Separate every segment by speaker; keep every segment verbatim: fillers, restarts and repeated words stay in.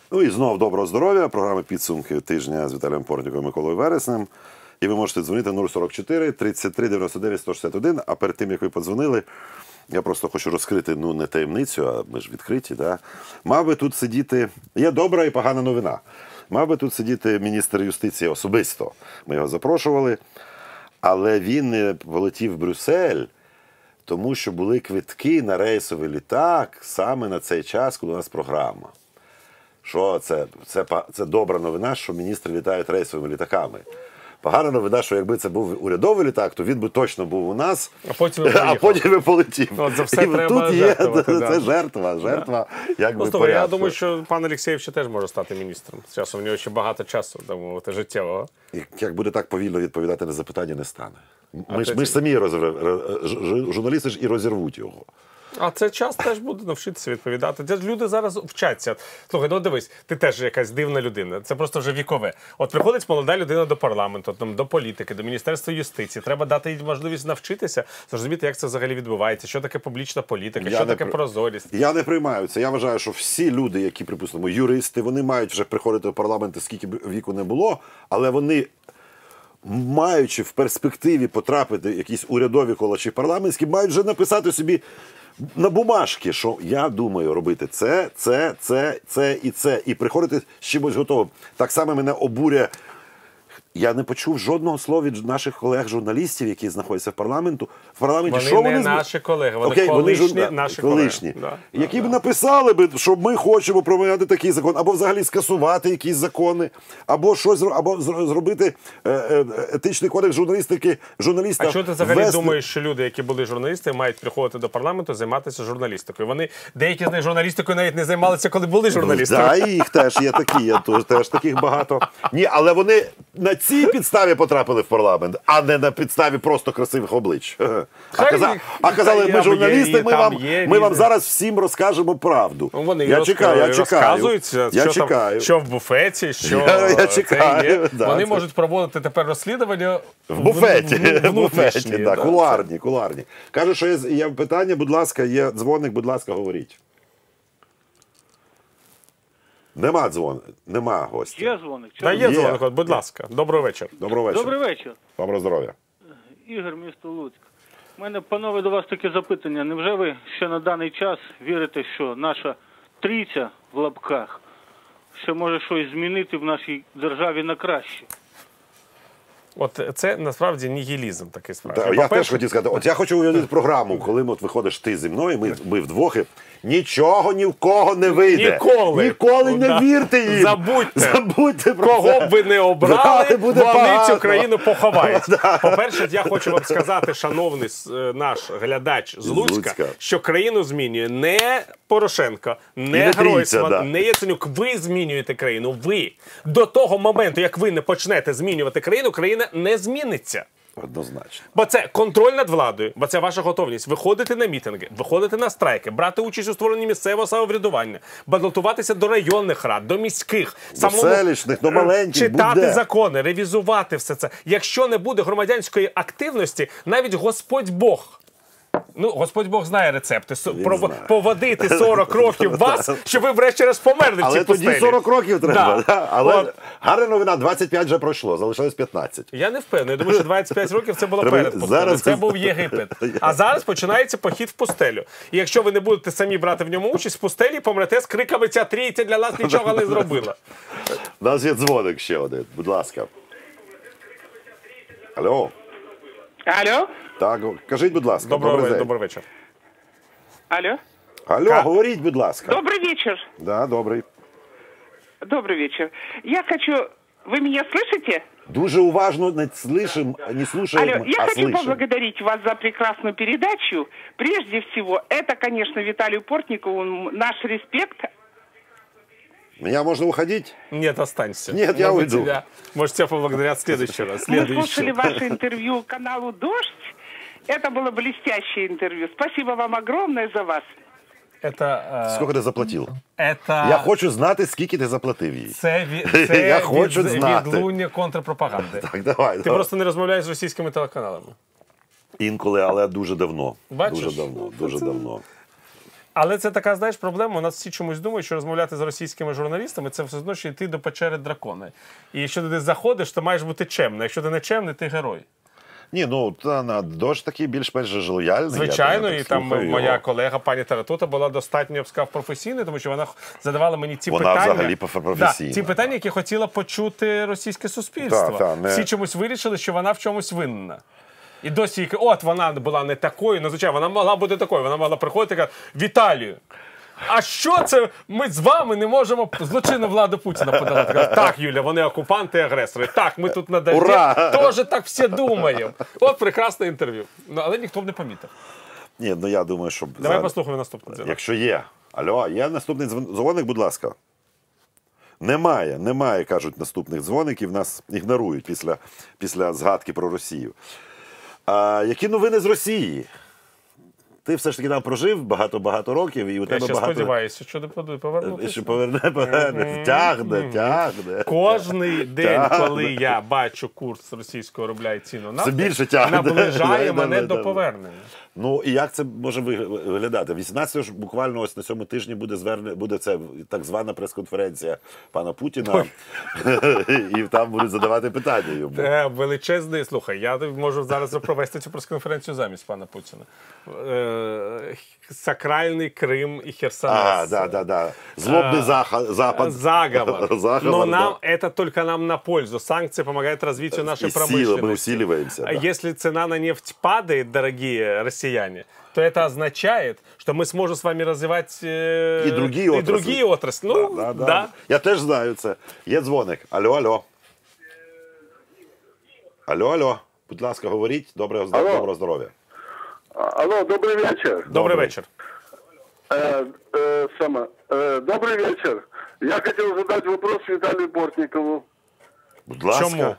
Speaker 1: Ну і знов доброго здоров'я. Програма «Підсумки тижня» з Віталієм Портніком і Миколою Вереснем. І ви можете дзвонити нуль сорок чотири тридцять три дев'яносто дев'ять сто шістдесят один. А перед тим, як ви подзвонили, я просто хочу розкрити, ну, не таємницю, а ми ж відкриті, да? Мав би тут сидіти... Є добра і погана новина. Мав би тут сидіти міністр юстиції особисто. Ми його запрошували. Але він не полетів в Брюссель, тому що були квитки на рейсовий літак саме на цей час, коли у нас програма. Що це? Це, це добра новина, що міністри літають рейсовими літаками. Погана новина, що якби це був урядовий літак, то він би точно був у нас, а потім а потім би полетів.
Speaker 2: От за все
Speaker 1: і
Speaker 2: треба
Speaker 1: тут є,
Speaker 2: жертвувати.
Speaker 1: Це жертва, жертва,
Speaker 2: да.
Speaker 1: якби,
Speaker 2: ну,
Speaker 1: порядку.
Speaker 2: Я думаю, що пан Алєксєєв ще теж може стати міністром. З часом у нього ще багато часу, так мовити, життєвого.
Speaker 1: Як буде так повільно відповідати на запитання, не стане. Ми ж, ми ж самі, розрив... журналісти ж і розірвуть його.
Speaker 2: А це час теж буде навчитися відповідати. Люди зараз вчаться. Слухай, ну дивись, ти теж якась дивна людина. Це просто вже вікове. От приходить молода людина до парламенту, там, до політики, до Міністерства юстиції. Треба дати їй можливість навчитися, зрозуміти, як це взагалі відбувається, що таке публічна політика, я що таке при... прозорість.
Speaker 1: Я не приймаю це. Я вважаю, що всі люди, які, припустимо, юристи, вони мають вже приходити до парламенту, скільки б віку не було, але вони... маючи в перспективі потрапити в якісь урядові кола чи парламентські, мають вже написати собі на бумажки, що я думаю робити це, це, це, це і це. І приходити з чимось готовим. Так само мене обурює. Я не почув жодного слова від наших колег-журналістів, які знаходяться в парламенту. В парламенті,
Speaker 2: вони
Speaker 1: що
Speaker 2: не
Speaker 1: вони...
Speaker 2: наші колеги, вони
Speaker 1: Окей,
Speaker 2: колишні
Speaker 1: вони
Speaker 2: наші
Speaker 1: колишні.
Speaker 2: колеги. Да,
Speaker 1: які
Speaker 2: да,
Speaker 1: б
Speaker 2: да.
Speaker 1: написали, би, що ми хочемо прийняти такий закон, або взагалі скасувати якісь закони, або щось або зробити етичний кодекс журналістики.
Speaker 2: А що ти взагалі вести... думаєш, що люди, які були журналісти, мають приходити до парламенту, займатися журналістикою? Вони, деякі з них журналістикою навіть не займалися, коли були журналістами.
Speaker 1: Так, да, їх теж є такі, є теж таких багато. Ні, але вони на цій підставі потрапили в парламент, а не на підставі просто красивих облич. А, каза... а казали, ми журналісти, ми, вам, ми вам зараз всім розкажемо правду.
Speaker 2: Вони
Speaker 1: я чекаю, я
Speaker 2: розказують,
Speaker 1: чекаю.
Speaker 2: Що,
Speaker 1: я
Speaker 2: там,
Speaker 1: чекаю.
Speaker 2: що в буфеті, що
Speaker 1: я, я чекаю,
Speaker 2: є.
Speaker 1: Да,
Speaker 2: вони
Speaker 1: це...
Speaker 2: можуть проводити тепер розслідування
Speaker 1: в буфеті.
Speaker 2: В, в, в
Speaker 1: буфеті, да,
Speaker 2: да,
Speaker 1: кулуарні, кулуарні. Кажуть, що є, є питання, будь ласка, є дзвоник, будь ласка, говоріть. Нема дзвоник, нема гостя.
Speaker 3: Є дзвоник.
Speaker 2: Да, є, є дзвоник, будь ласка. Доброго вечора.
Speaker 1: Доброго вечора.
Speaker 3: Добрий вечір.
Speaker 1: Доброго здоров'я.
Speaker 3: Ігор, місто Луцьк. У мене, панове, до вас таке запитання. Невже ви ще на даний час вірите, що наша трійця в лапках ще може щось змінити в нашій державі на краще?
Speaker 2: От це насправді нігілізм такий справді.
Speaker 1: Да, я теж хотів сказати, от я хочу уявити програму, коли от виходиш ти зі мною, ми, ми вдвох, і нічого ні в кого не вийде.
Speaker 2: Ніколи.
Speaker 1: Ніколи
Speaker 2: ну,
Speaker 1: не
Speaker 2: да.
Speaker 1: вірте їм.
Speaker 2: Забудьте.
Speaker 1: Забудьте про
Speaker 2: кого
Speaker 1: це.
Speaker 2: б ви не обрали,
Speaker 1: буде
Speaker 2: вони
Speaker 1: погано.
Speaker 2: цю країну поховають.
Speaker 1: Да.
Speaker 2: По-перше, я хочу вам сказати, шановний наш глядач з Луцька,
Speaker 1: Луцька,
Speaker 2: що країну змінює не Порошенко, не,
Speaker 1: не
Speaker 2: Гройсман,
Speaker 1: да.
Speaker 2: не Яценюк. Ви змінюєте країну. Ви. До того моменту, як ви не почнете змінювати країну, країна не зміниться.
Speaker 1: Однозначно.
Speaker 2: Бо це контроль над владою, бо це ваша готовність виходити на мітинги, виходити на страйки, брати участь у створенні місцевого самоврядування, балотуватися до районних рад, до міських,
Speaker 1: до
Speaker 2: самому
Speaker 1: селищних, до маленьких,
Speaker 2: читати
Speaker 1: буде.
Speaker 2: закони, ревізувати все це. Якщо не буде громадянської активності, навіть Господь Бог, ну, Господь Бог знає рецепти, Про,
Speaker 1: знає.
Speaker 2: поводити сорок років вас, щоб ви врешті-решт померли в цій
Speaker 1: Але
Speaker 2: пустелі.
Speaker 1: тоді сорок років треба.
Speaker 2: Да.
Speaker 1: Да. Але
Speaker 2: От.
Speaker 1: гарна новина, двадцять п'ять вже пройшло, залишилось п'ятнадцять.
Speaker 2: Я не впевнений. Я думаю, що двадцять п'ять років це було
Speaker 1: Треба...
Speaker 2: перед пустелю.
Speaker 1: Зараз...
Speaker 2: Це був Єгипет. А зараз починається похід в пустелю. І якщо ви не будете самі брати в ньому участь, в пустелі помрете з криками «Ця трійця для нас нічого не зробила».
Speaker 1: У нас є дзвоник ще один, будь ласка. Алло.
Speaker 4: Алло?
Speaker 1: Так, кажіть, будь ласка.
Speaker 2: Доброго
Speaker 1: добрий,
Speaker 2: добрий вечір.
Speaker 4: Алло?
Speaker 1: Алло,
Speaker 2: Ка...
Speaker 1: говоріть, будь ласка.
Speaker 4: Добрый вечер.
Speaker 1: Да, добрий.
Speaker 4: Добрый вечер. Я хочу... Вы меня слышите?
Speaker 1: Дуже уважно не слышим, не слушаем,
Speaker 4: Алло, я
Speaker 1: а
Speaker 4: хочу
Speaker 1: слышим.
Speaker 4: поблагодарить вас за прекрасную передачу. Прежде всего, это, конечно, Виталию Портникову наш респект.
Speaker 1: Меня можно уходить?
Speaker 2: Нет, останься.
Speaker 1: Нет, я
Speaker 2: Может,
Speaker 1: уйду.
Speaker 2: Тебя, может, тебя поблагодарят в следующий раз.
Speaker 4: Мы
Speaker 2: Следующий.
Speaker 4: слушали ваше интервью каналу «Дождь». Это было блестящее интервью. Спасибо вам огромное за вас.
Speaker 2: Это,
Speaker 1: Скільки ти заплатив?
Speaker 2: Это...
Speaker 1: Я хочу знати, скільки ти заплатив їй.
Speaker 2: Це, від, це
Speaker 1: Я хочу
Speaker 2: від,
Speaker 1: знати.
Speaker 2: відлуння контрпропаганди.
Speaker 1: Так, давай.
Speaker 2: Ти
Speaker 1: давай.
Speaker 2: просто не розмовляєш з російськими телеканалами.
Speaker 1: Інколи, але дуже давно.
Speaker 2: Бачиш?
Speaker 1: Дуже давно, дуже
Speaker 2: Це-
Speaker 1: давно.
Speaker 2: Але це така, знаєш, проблема. У нас всі чомусь думають, що розмовляти з російськими журналістами – це все одно, що йти до печери дракона. І якщо ти десь заходиш, то маєш бути чемним. Якщо ти не чемний, ти герой.
Speaker 1: Ні, ну та на дощ такий більш-менш же лояльний.
Speaker 2: Звичайно,
Speaker 1: я
Speaker 2: і там
Speaker 1: слухаю
Speaker 2: моя
Speaker 1: його.
Speaker 2: колега пані Таратута була достатньо, я б сказав, професійною, тому що вона задавала мені ці
Speaker 1: Вона
Speaker 2: питання.
Speaker 1: взагалі професійна.
Speaker 2: Да, ті питання, які хотіла почути російське суспільство.
Speaker 1: Так, так, не-
Speaker 2: Всі чомусь вирішили, що вона в чомусь винна. І досі, їй кажуть, от вона була не такою, ну, звичайно, вона могла бути такою. Вона могла приходити і казати: Віталію, а що це ми з вами не можемо злочинну владу Путіна подолати? Кажуть, так, Юля, вони окупанти і агресори. Так, ми тут на дожді
Speaker 1: Ура!
Speaker 2: теж так всі думаємо. От прекрасне інтерв'ю. Ну, але ніхто б не помітив.
Speaker 1: Ні, ну я думаю, що...
Speaker 2: Давай
Speaker 1: зараз-
Speaker 2: послухаємо наступний дзвінок.
Speaker 1: Якщо є. Алло, є наступний дзвон- дзвоник, будь ласка. Немає, немає, кажуть, наступних дзвоників. Нас ігнорують після, після згадки про Росію. А, які новини з Росії? Ти все ж таки там прожив багато-багато років, і у
Speaker 2: Я
Speaker 1: тебе
Speaker 2: ще
Speaker 1: багато...
Speaker 2: сподіваюся, що не подує повернутися.
Speaker 1: Що поверне, поверне. Тягне, тягне.
Speaker 2: Кожний день,
Speaker 1: Тягне.
Speaker 2: коли я бачу курс російського рубля і ціну
Speaker 1: Все
Speaker 2: нафти,
Speaker 1: більше тягне.
Speaker 2: наближає
Speaker 1: Да,
Speaker 2: мене
Speaker 1: да,
Speaker 2: до
Speaker 1: да.
Speaker 2: повернення.
Speaker 1: Ну, і як це може вигля- виглядати? вісімнадцятого ж буквально ось на цьому тижні буде зверне, буде це так звана прес-конференція пана Путіна, і там будуть задавати питання йому.
Speaker 2: Е, Величезний, слухай, я можу зараз провести цю прес-конференцію замість пана Путіна. Е, Сакральний Крим і Херсонес.
Speaker 1: А, да, да, да. Злобный заха- запад.
Speaker 2: Заговор.
Speaker 1: Заговор,
Speaker 2: Но
Speaker 1: да.
Speaker 2: нам это только нам на пользу. Санкции помогают развитию нашей
Speaker 1: И сила,
Speaker 2: промышленности.
Speaker 1: мы усиливаемся,
Speaker 2: А
Speaker 1: да.
Speaker 2: если цена на нефть падает, дорогие россияне, то это означает, что мы сможем с вами развивать э,
Speaker 1: І другі
Speaker 2: и
Speaker 1: отрасли.
Speaker 2: другие отрасли. Ну,
Speaker 1: Да, да,
Speaker 2: да.
Speaker 1: да. Я теж знаю це. Є дзвоник. Алло, алло. Алло, алло. Будь ласка, говоріть. Доброго,
Speaker 5: Алло.
Speaker 1: доброго здоров'я.
Speaker 5: Алло, добрый вечер.
Speaker 2: Добрый
Speaker 1: Добрый.
Speaker 2: вечер.
Speaker 5: Э, э, само, э, добрый вечер. Я хотел задать вопрос Виталию Портникову.
Speaker 1: Будь ласка.
Speaker 2: Чому?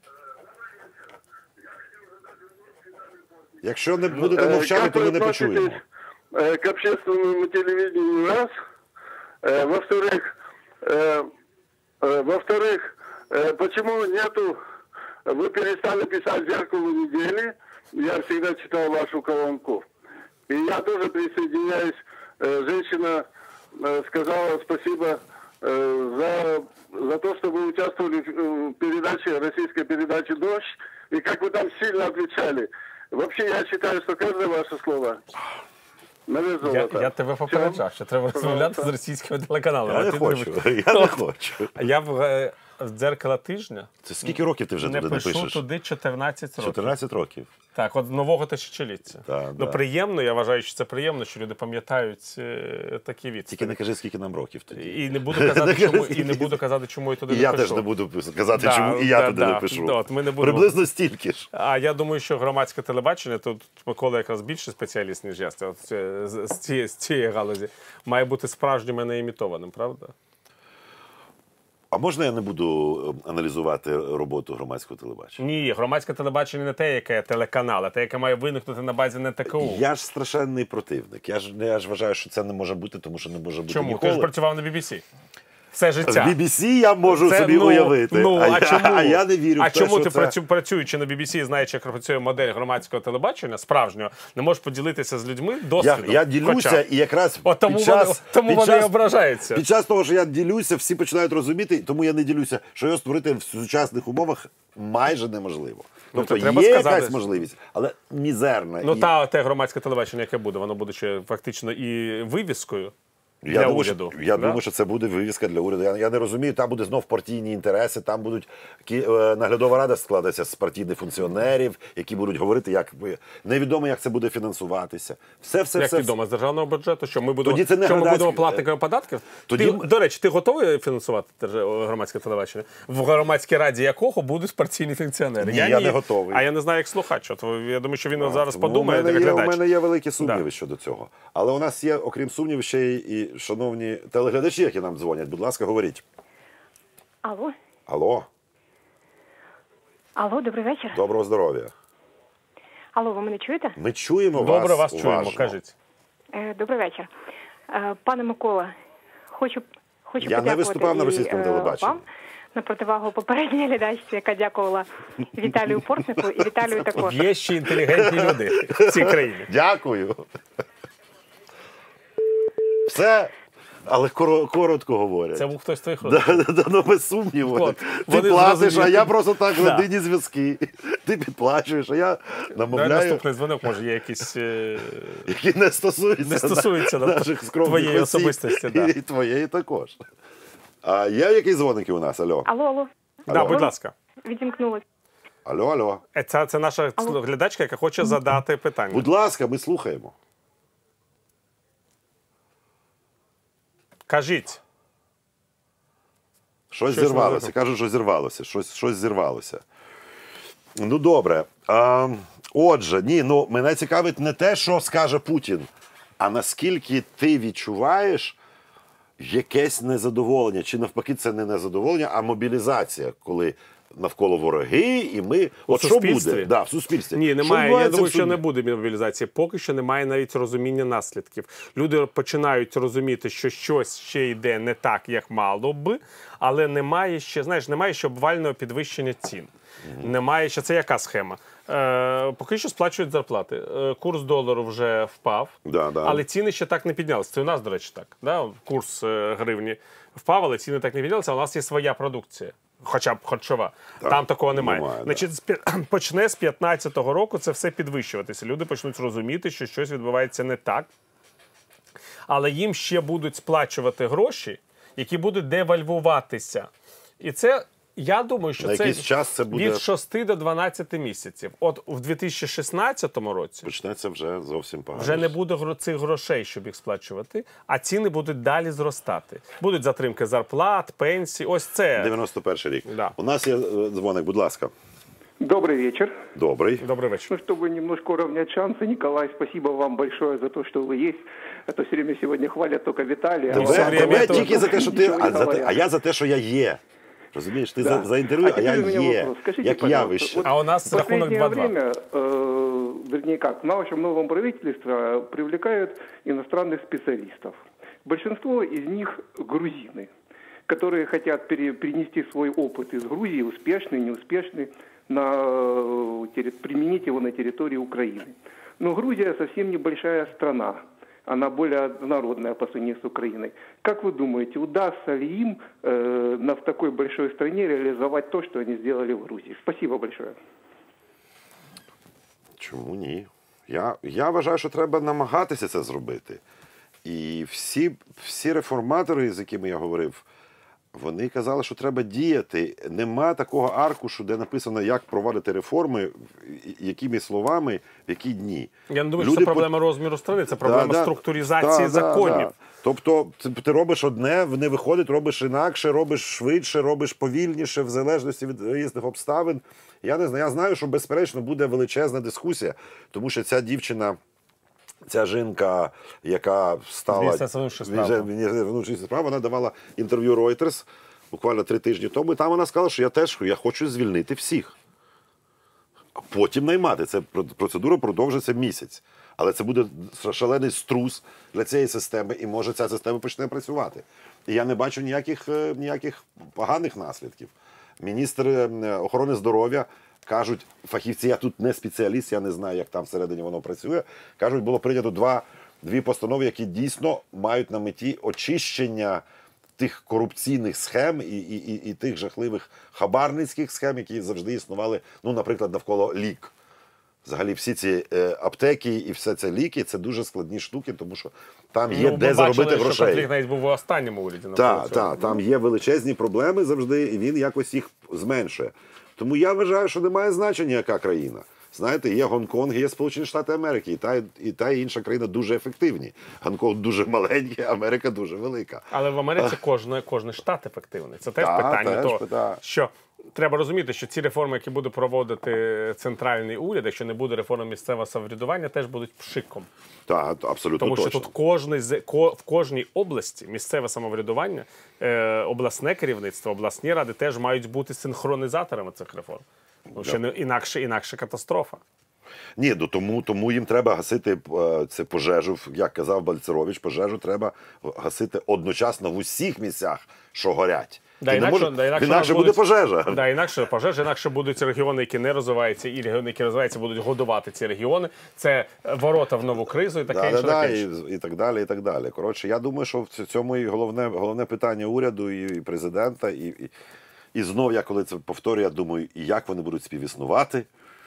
Speaker 1: Якщо не будете
Speaker 5: Э,
Speaker 1: мовчати,
Speaker 5: как
Speaker 1: то
Speaker 5: вы
Speaker 1: ми не
Speaker 5: относитесь,
Speaker 1: почуємо.
Speaker 5: э, к общественному телевидению, раз. Э, во-вторых, э, э, во-вторых, э, почему нету, вы перестали писать «Зеркало недели», я всегда читал вашу колонку. И я тоже присоединяюсь, э, женщина э, сказала спасибо э, за, за то, что вы участвовали в э, передаче, российской передаче «Дождь», и как вы там сильно отвечали. Вообще, я считаю, что каждое ваше слово на вес
Speaker 2: Я,
Speaker 5: золота.
Speaker 2: я тебе попереджав, що треба розмовляти з російськими телеканалами.
Speaker 1: Я
Speaker 2: а
Speaker 1: не
Speaker 2: ти
Speaker 1: хочу.
Speaker 2: дивишся.
Speaker 1: Я не хочу.
Speaker 2: А я в, е, в «Дзеркало тижня»
Speaker 1: Це скільки років ти вже
Speaker 2: не
Speaker 1: туди не
Speaker 2: пишу
Speaker 1: пишеш?
Speaker 2: туди чотирнадцять років.
Speaker 1: чотирнадцять років.
Speaker 2: Так, от нового тисячоліття.
Speaker 1: Так,
Speaker 2: ну,
Speaker 1: да.
Speaker 2: приємно, я вважаю, що це приємно, що люди пам'ятають е, такі
Speaker 1: Тільки
Speaker 2: відстані.
Speaker 1: не кажи, скільки нам років тоді.
Speaker 2: І не буду казати, чому, і не буду казати, чому я туди
Speaker 1: І
Speaker 2: не
Speaker 1: я
Speaker 2: пишу.
Speaker 1: теж не буду казати,
Speaker 2: Да,
Speaker 1: чому і я
Speaker 2: да,
Speaker 1: туди
Speaker 2: да.
Speaker 1: не пишу.
Speaker 2: Да, от ми не будемо-
Speaker 1: Приблизно стільки ж.
Speaker 2: А я думаю, що громадське телебачення, тут Микола якраз більше спеціаліст, ніж я, от, це- з, з, цієї, з цієї галузі, має бути справжнім, а не імітованим, правда?
Speaker 1: А можна я не буду е, аналізувати роботу громадського телебачення?
Speaker 2: Ні, громадське телебачення не те, яке телеканал, а те, яке має виникнути на базі ен те ка у.
Speaker 1: Я ж страшенний противник. Я ж, я ж вважаю, що це не може бути, тому що не може бути
Speaker 2: Чому? Ти
Speaker 1: ніколи.
Speaker 2: ж працював на бі бі сі. Все
Speaker 1: В
Speaker 2: життя.
Speaker 1: бі бі сі я можу
Speaker 2: Це,
Speaker 1: собі
Speaker 2: ну,
Speaker 1: уявити.
Speaker 2: Ну,
Speaker 1: а,
Speaker 2: а,
Speaker 1: я,
Speaker 2: чому?
Speaker 1: а я не вірю
Speaker 2: а
Speaker 1: в те,
Speaker 2: чому
Speaker 1: що
Speaker 2: ти,
Speaker 1: це...
Speaker 2: працю, працюючи на бі бі сі, знаючи, як працює модель громадського телебачення, справжнього, не можеш поділитися з людьми
Speaker 1: Я,
Speaker 2: досвідом?
Speaker 1: я ділюся,
Speaker 2: Хоча.
Speaker 1: і якраз
Speaker 2: От тому
Speaker 1: під
Speaker 2: вони,
Speaker 1: час,
Speaker 2: тому
Speaker 1: під
Speaker 2: вони
Speaker 1: час,
Speaker 2: і ображаються.
Speaker 1: Під час того, що я ділюся, всі починають розуміти, тому я не ділюся, що його створити в сучасних умовах майже неможливо. Тобто
Speaker 2: то треба
Speaker 1: є
Speaker 2: сказати,
Speaker 1: якась
Speaker 2: що-
Speaker 1: можливість, але мізерна.
Speaker 2: Ну,
Speaker 1: І
Speaker 2: та те громадське телебачення, яке буде, воно буде ще фактично і вивіскою
Speaker 1: я
Speaker 2: для
Speaker 1: думаю,
Speaker 2: уряду.
Speaker 1: Що, я
Speaker 2: да?
Speaker 1: думаю, що це буде вивіска для уряду. Я, я не розумію, там буде знов партійні інтереси, там будуть кі- е, наглядова рада складатися з партійних функціонерів, які будуть говорити, як ви невідомо, як це буде фінансуватися. Все, все,
Speaker 2: Як
Speaker 1: все.
Speaker 2: відомо, з державного бюджету, що ми будемо,
Speaker 1: Тоді це не
Speaker 2: що ми
Speaker 1: громадське-
Speaker 2: будемо платниками податків?
Speaker 1: Тоді-
Speaker 2: Ти, до речі, ти готовий фінансувати держ- громадське телебачення? В громадській раді якого будуть партійні функціонери?
Speaker 1: Ні, я не готовий.
Speaker 2: А я не знаю, як слухач. От, я думаю, що він от зараз
Speaker 1: Тому
Speaker 2: подумає,
Speaker 1: у мене,
Speaker 2: як
Speaker 1: є, у
Speaker 2: глядач.
Speaker 1: мене є великі сумніви
Speaker 2: Да.
Speaker 1: щодо цього. Але у нас є, окрім сумнівів, ще й і шановні телеглядачі, які нам дзвонять. Будь ласка, говоріть.
Speaker 6: Алло,
Speaker 1: Алло,
Speaker 6: алло, добрий вечір.
Speaker 1: доброго здоров'я.
Speaker 6: Алло, ви мене чуєте?
Speaker 1: Ми чуємо вас.
Speaker 2: Добре, вас чуємо,
Speaker 1: уважно.
Speaker 2: кажіть.
Speaker 6: Е, добрий вечір. Е, пане Микола, хочу, хочу
Speaker 1: Я не
Speaker 6: подякувати
Speaker 1: виступав на
Speaker 6: і,
Speaker 1: російському
Speaker 6: е,
Speaker 1: телебаченні.
Speaker 6: вам на противагу попередній глядачці, яка дякувала Віталію Портнику і Віталію також.
Speaker 2: Є ще інтелігентні люди в цій країні.
Speaker 1: Дякую. все, але коро- коротко говорять.
Speaker 2: Це був хтось з твоїх родичів.
Speaker 1: Да, да, да, ну, без сумніву.
Speaker 2: От,
Speaker 1: Ти
Speaker 2: вони
Speaker 1: платиш, а
Speaker 2: зрозуміли.
Speaker 1: я просто так
Speaker 2: Да.
Speaker 1: родинні зв'язки. Ти підплачуєш, а я
Speaker 2: Давай
Speaker 1: намовляю,
Speaker 2: наступний дзвонок, може, є якісь... е,
Speaker 1: які не стосуються,
Speaker 2: Не стосуються,
Speaker 1: на-
Speaker 2: да,
Speaker 1: наших скромних
Speaker 2: твоєї
Speaker 1: осіб.
Speaker 2: особистості, да.
Speaker 1: І твоєї також. А є якісь дзвоники у нас? Алло.
Speaker 6: Алло, алло.
Speaker 2: Да,
Speaker 1: Алло.
Speaker 2: будь ласка.
Speaker 6: Відімкнулась.
Speaker 1: Алло, алло.
Speaker 2: Е, Це, це наша глядачка, яка хоче задати питання.
Speaker 1: Будь ласка, ми слухаємо.
Speaker 2: Кажіть.
Speaker 1: Щось,
Speaker 2: Щось
Speaker 1: зірвалося.
Speaker 2: не
Speaker 1: Кажуть, що зірвалося. Щось, щось зірвалося. Ну, добре. А, отже, ні, ну, мене цікавить не те, що скаже Путін, а наскільки ти відчуваєш якесь незадоволення, чи навпаки це не незадоволення, а мобілізація, коли навколо вороги, і ми... От що
Speaker 2: суспільстві?
Speaker 1: буде? Да, в суспільстві.
Speaker 2: Ні,
Speaker 1: Що
Speaker 2: немає. Я
Speaker 1: відбувається
Speaker 2: думаю,
Speaker 1: в
Speaker 2: що
Speaker 1: суді?
Speaker 2: не буде мобілізації. Поки що немає навіть розуміння наслідків. Люди починають розуміти, що щось ще йде не так, як мало би, але немає ще, знаєш, немає ще обвального підвищення цін. Mm-hmm. Немає ще, це яка схема? Е, поки що сплачують зарплати. Е, курс долару вже впав,
Speaker 1: Да, да.
Speaker 2: але ціни ще так не піднялися. Це у нас, до речі, так. Да? Курс е, гривні впав, але ціни так не піднялися, а у нас є своя продукція. Хоча б харчова.
Speaker 1: Так,
Speaker 2: Там такого немає.
Speaker 1: немає, да.
Speaker 2: Значить, з п'я- почне з п'ятнадцятого року це все підвищуватися. Люди почнуть розуміти, що щось відбувається не так. Але їм ще будуть сплачувати гроші, які будуть девальвуватися. І це, я думаю, що
Speaker 1: На
Speaker 2: це,
Speaker 1: якийсь час це буде-
Speaker 2: від шести до дванадцяти місяців. От у дві тисячі шістнадцятому році
Speaker 1: Почнеться вже зовсім погано.
Speaker 2: вже не буде гро- цих грошей, щоб їх сплачувати, а ціни будуть далі зростати. Будуть затримки зарплат, пенсій. Ось це.
Speaker 1: дев'яносто перший рік.
Speaker 2: Да.
Speaker 1: У нас є е, дзвоник, будь ласка.
Speaker 7: Добрый вечер.
Speaker 1: Добрий.
Speaker 2: Добрий вечір.
Speaker 7: Ну, чтобы немножко уравнять шансы, Николай, спасибо вам большое за то, что вы есть. А то все время сегодня хвалят только Виталия.
Speaker 1: Тебе,
Speaker 2: все время
Speaker 1: тебе
Speaker 2: то-
Speaker 1: тільки за те, що ти,
Speaker 7: Нічого не
Speaker 1: а, за те,
Speaker 7: говорять.
Speaker 1: а я за те, що я є. Розумієш, ти
Speaker 7: Да.
Speaker 1: за, за інтерв'ю, а,
Speaker 7: А
Speaker 1: я
Speaker 7: теперь у меня
Speaker 1: є.
Speaker 7: вопрос. Скажите,
Speaker 1: Як
Speaker 7: пожалуйста,
Speaker 1: явище.
Speaker 7: вот
Speaker 2: А у нас
Speaker 7: в
Speaker 2: рахунок
Speaker 7: последнее
Speaker 2: два-два.
Speaker 7: время, э, вернее как, в нашем новом правительстве привлекают иностранных специалистов. Большинство из них грузины, которые хотят пере- перенести свой опыт из Грузии, успешный, неуспешный, на, э, терри- применить его на территории Украины. Но Грузия совсем небольшая страна. Она более однородная по сравнению с Украиной. Как вы думаете, удастся ли им э, на, в такой большой стране реализовать то, что они сделали в Грузии? Спасибо большое.
Speaker 1: Чому ні? Я, я вважаю, що треба намагатися це зробити. І всі, всі реформатори, з якими я говорив, вони казали, що треба діяти. Нема такого аркушу, де написано, як проводити реформи, якими словами, в які дні.
Speaker 2: Я не думаю, що
Speaker 1: Люди
Speaker 2: це
Speaker 1: по-
Speaker 2: проблема розміру страни, це проблема
Speaker 1: Да, да.
Speaker 2: структуризації
Speaker 1: Да, да,
Speaker 2: законів.
Speaker 1: да. Тобто ти, ти робиш одне, не виходить, робиш інакше, робиш швидше, робиш повільніше, в залежності від різних обставин. Я не знаю, я знаю, що безперечно буде величезна дискусія, тому що ця дівчина, ця жінка, яка стала
Speaker 2: Міністерства внутрішніх справ.
Speaker 1: Міністерства внутрішніх справ, вона давала інтерв'ю Reuters буквально три тижні тому, і там вона сказала, що я теж я хочу звільнити всіх. А потім наймати. Це процедура продовжиться місяць. Але це буде шалений струс для цієї системи, і може ця система почне працювати. І я не бачу ніяких, е, ніяких поганих наслідків. Міністр е, охорони здоров'я кажуть, фахівці, я тут не спеціаліст, я не знаю, як там всередині воно працює, кажуть, було прийнято два, дві постанови, які дійсно мають на меті очищення тих корупційних схем і, і, і, і тих жахливих хабарницьких схем, які завжди існували, ну, наприклад, навколо лік. Взагалі всі ці е, аптеки і все це ліки – це дуже складні штуки, тому що там є
Speaker 2: Ну, ми
Speaker 1: де
Speaker 2: бачили,
Speaker 1: заробити
Speaker 2: що
Speaker 1: грошей.
Speaker 2: конфлікт навіть був у останньому уряді.
Speaker 1: Так, так, там є величезні проблеми завжди, і він якось їх зменшує. Тому я вважаю, що немає значення, яка країна. Знаєте, є Гонконг, є Сполучені Штати Америки, і та, і та і інша країна дуже ефективні. Гонконг дуже маленький, Америка дуже велика.
Speaker 2: Але в Америці кожен, кожен штат ефективний. Це теж
Speaker 1: Так,
Speaker 2: питання
Speaker 1: теж
Speaker 2: того,
Speaker 1: питання.
Speaker 2: що треба розуміти, що ці реформи, які буде проводити центральний уряд, якщо не буде реформи місцевого самоврядування, теж будуть пшиком.
Speaker 1: Так, абсолютно
Speaker 2: Тому
Speaker 1: точно.
Speaker 2: що тут кожний, з- ко- в кожній області місцеве самоврядування, е, обласне керівництво, обласні ради теж мають бути синхронізаторами цих реформ. Тому що не, інакше, інакше катастрофа.
Speaker 1: Ні, ну тому, тому їм треба гасити е, це пожежу, як казав Бальцерович, пожежу треба гасити одночасно в усіх місцях, що горять.
Speaker 2: Да,
Speaker 1: Він не
Speaker 2: інакше,
Speaker 1: може-
Speaker 2: да, інакше,
Speaker 1: інакше
Speaker 2: у нас
Speaker 1: буде
Speaker 2: будуть-
Speaker 1: пожежа.
Speaker 2: Да, інакше пожежа, інакше будуть регіони, які не розвиваються, і регіони, які розвиваються, будуть годувати ці регіони. Це ворота в нову кризу і таке
Speaker 1: Да,
Speaker 2: інше.
Speaker 1: да, да,
Speaker 2: таке
Speaker 1: і,
Speaker 2: інше.
Speaker 1: і так далі, і так далі. Коротше, я думаю, що в ц- цьому і головне, головне питання уряду і, і президента. І, і, і знов, я коли це повторюю, я думаю, і як вони будуть співіснувати.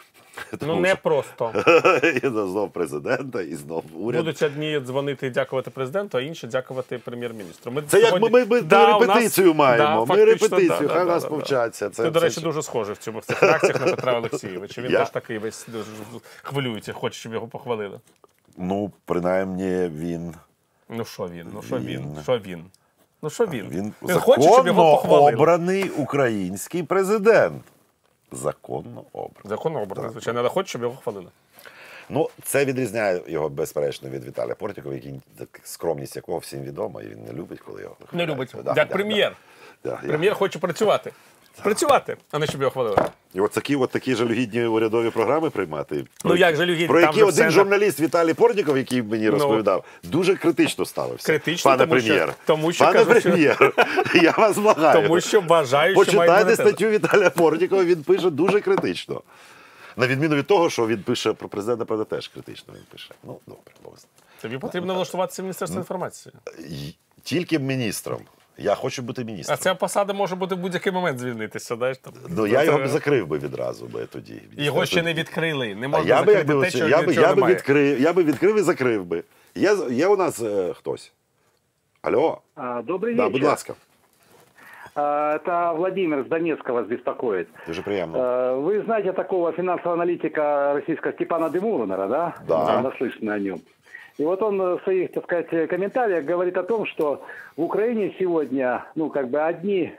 Speaker 2: Ну не просто.
Speaker 1: І знов президента, і знов уряд.
Speaker 2: Будуть одні дзвонити і дякувати президенту, а інші дякувати прем'єр-міністру. Ми
Speaker 1: Це як
Speaker 2: сьогодні-
Speaker 1: ми, ми, ми
Speaker 2: Да, у нас-
Speaker 1: репетицію маємо.
Speaker 2: да,
Speaker 1: ми
Speaker 2: фактично,
Speaker 1: репетицію,
Speaker 2: да,
Speaker 1: хай
Speaker 2: да,
Speaker 1: нас
Speaker 2: да, да.
Speaker 1: повчаться. Це,
Speaker 2: Ти, до
Speaker 1: це
Speaker 2: речі,
Speaker 1: ж-
Speaker 2: дуже схожий в цьому в цих реакціях на Петра Олексійовича. Він
Speaker 1: Я?
Speaker 2: теж такий весь дуже хвилюється, хоче, щоб його похвалили.
Speaker 1: Ну, принаймні, він,
Speaker 2: Ну що він? Ну що він?
Speaker 1: Він.
Speaker 2: Що він? Ну що він?
Speaker 1: він
Speaker 2: хоче, щоб його
Speaker 1: законно
Speaker 2: похвалили.
Speaker 1: обраний український президент. Законно обраний.
Speaker 2: Законно обраний, звичайно, але хоче, щоб його хвалили.
Speaker 1: Ну, це відрізняє його, безперечно, від Віталія Портнікова, який, так, скромність якого всім відома, і він не любить, коли його
Speaker 2: Не
Speaker 1: хвалять.
Speaker 2: любить.
Speaker 1: Да,
Speaker 2: Як
Speaker 1: да,
Speaker 2: прем'єр.
Speaker 1: да, да, я-
Speaker 2: Прем'єр хоче працювати. Працювати, а не щоб його хвалили.
Speaker 1: І от такі, от такі жалюгідні урядові програми приймати.
Speaker 2: Ну, як жалюгідні?
Speaker 1: Про
Speaker 2: Там
Speaker 1: які
Speaker 2: же
Speaker 1: один
Speaker 2: все на-
Speaker 1: журналіст Віталій Портніков, який мені
Speaker 2: Ну.
Speaker 1: розповідав, дуже критично ставився.
Speaker 2: Критично,
Speaker 1: пане
Speaker 2: тому що-
Speaker 1: прем'єр.
Speaker 2: тому що
Speaker 1: пане
Speaker 2: кажу, що-
Speaker 1: прем'єр, я вас благаю.
Speaker 2: Тому що вважаю, що має
Speaker 1: Почитайте
Speaker 2: імунітет.
Speaker 1: статтю Віталія Портнікова, він пише дуже критично. На відміну від того, що він пише про президента, правда, теж критично він пише. Ну, добре, Бог з ним.
Speaker 2: Тобі потрібно влаштуватися в Міністерство інформації.
Speaker 1: Й- Тільки міністром. Я хочу бути
Speaker 2: А
Speaker 1: міністром.
Speaker 2: ця посада може бути в будь-який момент звільнитися. Знаєш, там.
Speaker 1: Ну, я його б
Speaker 2: Це-
Speaker 1: закрив би відразу би тоді.
Speaker 2: Його ще не відкрили. Не
Speaker 1: А
Speaker 2: можна
Speaker 1: я би,
Speaker 2: закрити
Speaker 1: якби,
Speaker 2: те,
Speaker 1: оце-
Speaker 2: що
Speaker 1: я би,
Speaker 2: нічого
Speaker 1: я би
Speaker 2: немає.
Speaker 1: відкрив, я би відкрив і закрив би. Є, є у нас е, хтось? Алло?
Speaker 8: А, Добрый
Speaker 1: Да,
Speaker 8: вечер.
Speaker 1: будь ласка.
Speaker 8: А, Это Владимир с Донецка вас беспокоит.
Speaker 1: Дуже приємно.
Speaker 8: А, Вы знаете такого финансового аналитика российского Степана Демурнера, да?
Speaker 1: Да.
Speaker 8: Наслышаны о нем. И вот он в своих, так сказать, комментариях говорит о том, что в Украине сегодня, ну, как бы одни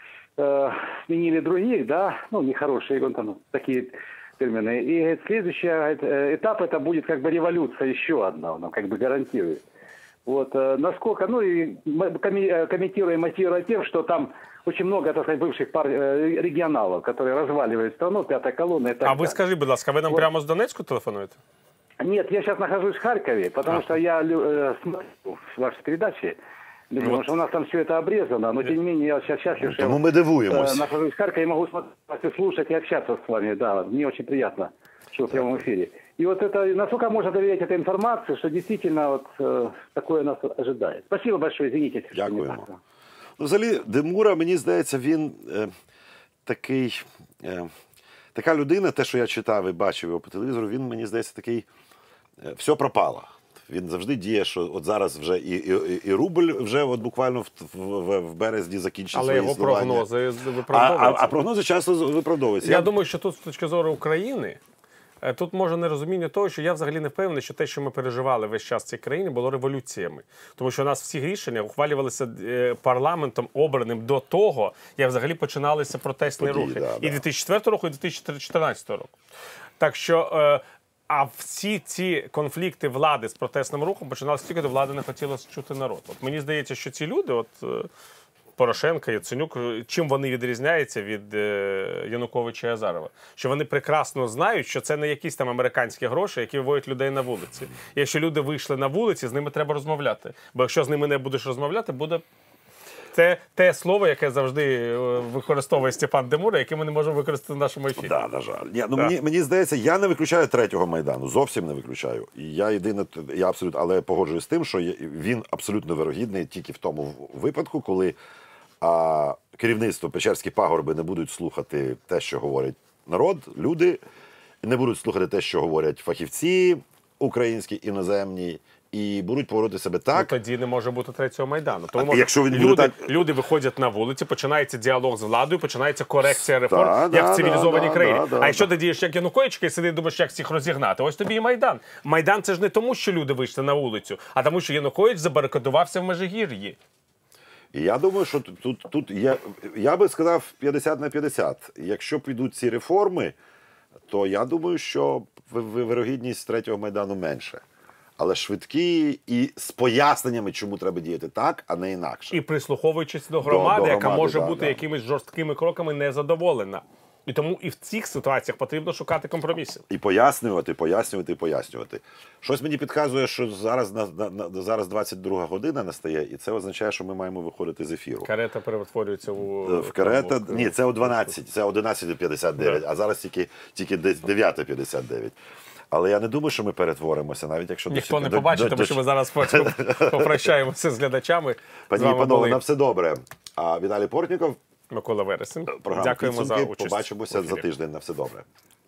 Speaker 8: э, сменили других, да, ну, нехорошие, вот там такие термины. И говорит, следующий говорит, э, этап это будет как бы революция еще одна, он нам как бы гарантирует. Вот, э, насколько, ну и мы коми- э, комментируем, мотивируя тем, что там очень много, так сказать, бывших пар, э, регионалов, которые разваливают страну, пятая колонна и так
Speaker 2: А ви
Speaker 8: далее.
Speaker 2: скажіть, будь ласка, ви нам
Speaker 8: Вот.
Speaker 2: прямо з Донецьку телефонуєте?
Speaker 8: Нет, я сейчас нахожусь в Харькове, потому что я лю- э, смотрю ваши передачи, потому
Speaker 2: Вот.
Speaker 8: что у нас там все это обрезано, но тем не менее я сейчас счастлив, что
Speaker 1: Тому
Speaker 8: я
Speaker 1: ми дивуємось.
Speaker 8: э, нахожусь в Харькове и могу смотреть, слушать и общаться с вами, да, мне очень приятно, что в прямом эфире. И вот это, насколько можно доверять этой информации, что действительно вот э, такое нас ожидает. Спасибо большое, извините, если что не
Speaker 1: Дякуємо.
Speaker 8: так.
Speaker 1: Ну, взагалі, Демура, мені здається, він е, такий, е, така людина, те, що я читав і бачив його по телевізору, він, мені здається, такий, е, все пропало. Він завжди діє, що от зараз вже і, і, і рубль вже от буквально в, в, в березні закінчить
Speaker 2: Але
Speaker 1: своє
Speaker 2: його
Speaker 1: існування.
Speaker 2: прогнози
Speaker 1: А, а,
Speaker 2: виправдовуються.
Speaker 1: а прогнози часто виправдовуються.
Speaker 2: Я думаю, що тут з точки зору України, е, тут може нерозуміння того, що я взагалі не впевнений, що те, що ми переживали весь час в цій країні, було революціями. Тому що у нас всі рішення ухвалювалися е, парламентом обраним до того, як взагалі починалися протестні
Speaker 1: Події,
Speaker 2: рухи.
Speaker 1: да,
Speaker 2: І
Speaker 1: да.
Speaker 2: дві тисячі четвертого року, і дві тисячі чотирнадцятого року. Так що... Е, А всі ці конфлікти влади з протестним рухом починалися тільки, до влади не хотіло чути народ. От мені здається, що ці люди, от е, Порошенко, Яценюк, чим вони відрізняються від е, Януковича і Азарова? Що вони прекрасно знають, що це не якісь там американські гроші, які виводять людей на вулиці. І якщо люди вийшли на вулиці, з ними треба розмовляти. Бо якщо з ними не будеш розмовляти, буде... Це те слово, яке завжди е, використовує Степан Демура, яке ми не можемо використати в нашому ефірі.
Speaker 1: Да, на жаль. Ні, ну,
Speaker 2: Да.
Speaker 1: мені, мені здається, я не виключаю третього Майдану, зовсім не виключаю. І я єдине, я абсолютно, але погоджуюсь з тим, що є- він абсолютно вирогідний тільки в тому випадку, коли а, керівництво Печерські пагорби не будуть слухати те, що говорить народ, люди, не будуть слухати те, що говорять фахівці українські, іноземні, і будуть поводити себе
Speaker 2: Ну,
Speaker 1: так.
Speaker 2: тоді не може бути третього Майдану. Тому
Speaker 1: А
Speaker 2: може,
Speaker 1: якщо він буде
Speaker 2: люди,
Speaker 1: так-
Speaker 2: люди виходять на вулиці, починається діалог з владою, починається корекція реформ,
Speaker 1: Да,
Speaker 2: як
Speaker 1: да,
Speaker 2: в цивілізованій
Speaker 1: да,
Speaker 2: країні.
Speaker 1: да, да,
Speaker 2: а якщо
Speaker 1: да.
Speaker 2: ти дієш як Янукович, і сидиш, думаєш, як всіх розігнати, ось тобі і Майдан. Майдан – це ж не тому, що люди вийшли на вулицю, а тому, що Янукович забарикадувався в Межигір'ї.
Speaker 1: І я думаю, що тут, тут, тут є, я би сказав п'ятдесят на п'ятдесят. Якщо підуть ці реформи, то я думаю, що ви- ви- вирогідність третього Майдану менше. Але швидкі і з поясненнями, чому треба діяти так, а не інакше.
Speaker 2: І прислуховуючись до громади,
Speaker 1: до
Speaker 2: яка
Speaker 1: громади,
Speaker 2: може
Speaker 1: да,
Speaker 2: бути
Speaker 1: да.
Speaker 2: якимись жорсткими кроками незадоволена. І тому і в цих ситуаціях потрібно шукати компроміси.
Speaker 1: І пояснювати, пояснювати, пояснювати. Щось мені підказує, що зараз, на, на, на, зараз двадцять друга година настає, і це означає, що ми маємо виходити з ефіру.
Speaker 2: Карета перетворюється у...
Speaker 1: В карета... В... Ні, це о дванадцять, це одинадцята п'ятдесят дев'ять, а зараз тільки, тільки дев'ята п'ятдесят дев'ять. Але я не думаю, що ми перетворимося, навіть якщо...
Speaker 2: Ніхто
Speaker 1: до...
Speaker 2: не побачить,
Speaker 1: до...
Speaker 2: тому що ми зараз потім попрощаємося з глядачами.
Speaker 1: Пані і панове, на все добре. А Віталій Портніков,
Speaker 2: Микола Вересень.
Speaker 1: програма
Speaker 2: Дякуємо
Speaker 1: «Підсумки».
Speaker 2: за участь.
Speaker 1: Побачимося за тиждень. На все добре.